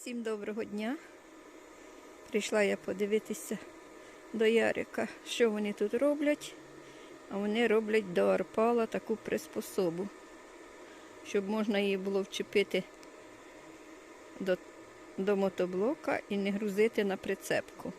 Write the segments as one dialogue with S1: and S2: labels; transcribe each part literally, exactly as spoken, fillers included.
S1: Всім доброго дня. Прийшла я подивитися до Ярика, що вони тут роблять. А вони роблять до арпала таку приспособу, щоб можна її було вчепити до, до мотоблока і не грузити на прицепку.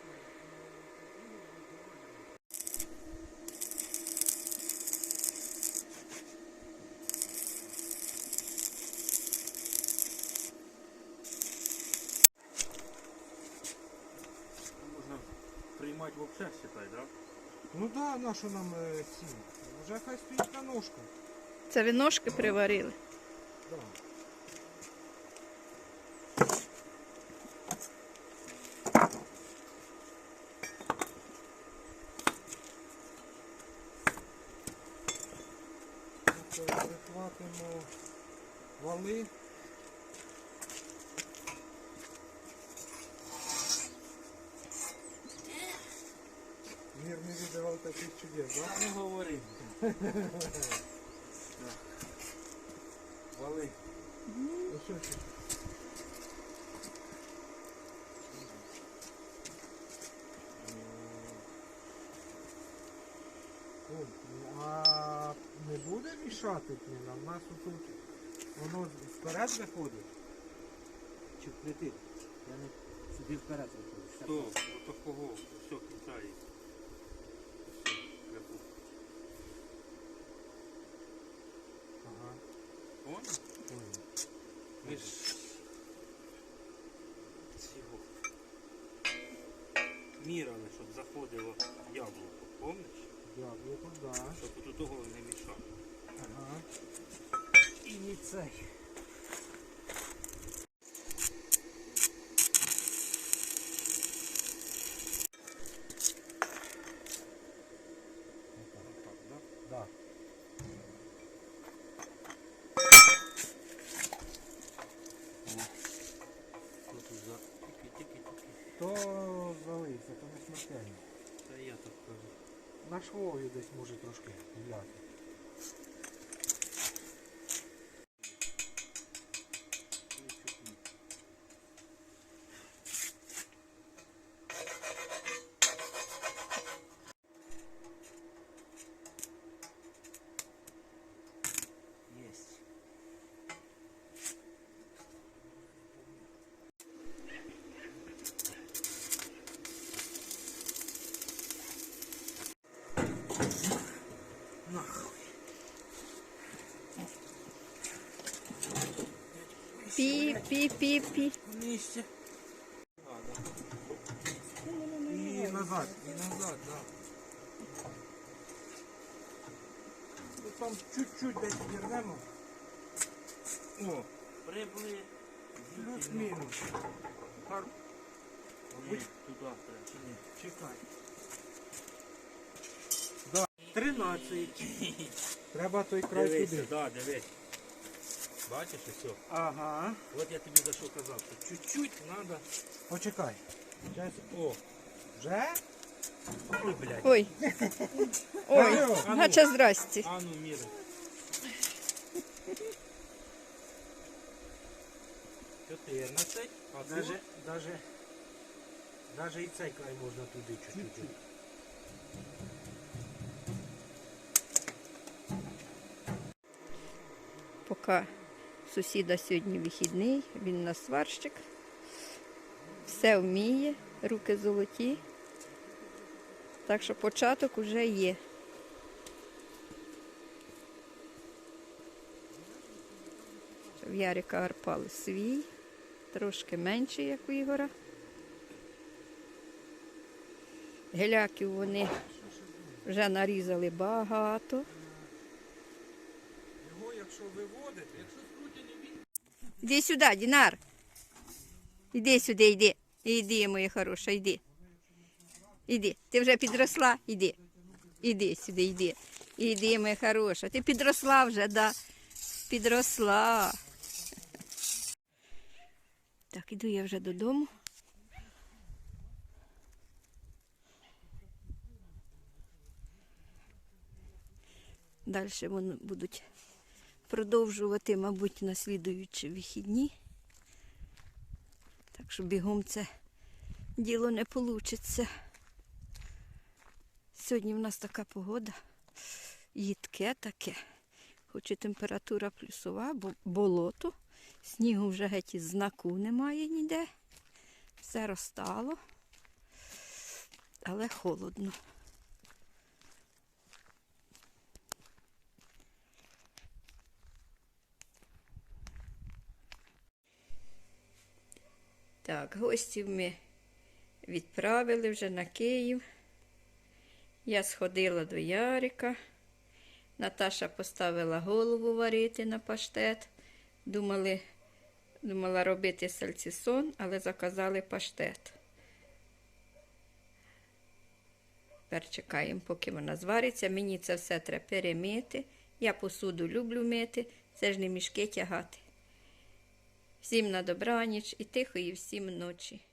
S2: Приймати взагалі, считай, да?
S3: Ну да, на що нам е, ці? Вже хай стоїть на ножках.
S1: Це ви ножки приварили?
S3: Да. Прихватимо вали. Мир не видавав таких чудес, да?
S2: Не говори.
S3: Вали. Ну що це? О, а не буде мішати нам? У нас тут воно вперед виходить? Чи вплетить? Я не сюди вперед виходить.
S2: Хто? Ото кого? Все, кінця є.
S3: Ага.
S2: Вон?
S3: Понял.
S2: Ми ж... Цього. Міряли, щоб заходило яблуко, помниш?
S3: Яблуко, да.
S2: Щоб тут того не мішало.
S3: Ага. І не цей.
S2: Отак, да?
S3: Да.
S2: Що тут за... Тільки-тільки-тільки.
S3: То залився, то не смертельно.
S2: Та я так кажу.
S3: На швові десь може трошки гуляти.
S2: Єсть. Нахуй.
S1: Пі-пі-пі-пі.
S2: Вместе. А, да.
S3: І назад.
S2: И назад, да.
S3: Ну, там чуть-чуть десь вірнемо.
S2: О, прибли.
S3: Плюс-мінус. Гар...
S2: Ні, туди треба. Чи ні?
S3: Чекай.
S2: тринадцять.
S3: Треба той край
S2: Дивися,
S3: туди.
S2: да, дивись. Бачиш і все.
S3: Ага.
S2: От я тобі за що казав, що чуть-чуть треба.
S3: Почекай. Зараз.
S2: О,
S3: Вже?
S2: ой, блядь.
S1: Ой. Ой,
S3: Алло.
S1: гача здрасті.
S2: А ну, міри. чотирнадцять. А це
S3: Даже, даже, даже і цей край можна туди чуть-чуть.
S1: Поки сусіда сьогодні вихідний, він у нас сварщик. Все вміє, руки золоті. Так що початок уже є. В Ярика арпал свій, трошки менший, як у Ігора. Геляків вони вже нарізали багато.
S3: Його якщо виводити, якщо
S1: Іди сюди, Дінар. Іди сюди, йди. Іди, моя хороша, йди. Іди. Ти вже підросла? Іди. Іди сюди, йди. Іди, моя хороша. Ти підросла вже, да? Підросла. Так, іду я вже додому. Далі вони будуть продовжувати, мабуть, на слідуючі вихідні. Так що бігом це діло не вийде. Сьогодні в нас така погода, їдке таке. Хоч і температура плюсова, бо болото. Снігу вже геть із знаку немає ніде. Все розтало, але холодно. Так, гостів ми відправили вже на Київ. Я сходила до Ярика. Наташа поставила голову варити на паштет. Думали, думала робити сальцісон, але заказали паштет. Тепер чекаємо, поки вона звариться. Мені це все треба перемити. Я посуду люблю мити, це ж не мішки тягати. Всім на добраніч і тихої всім ночі.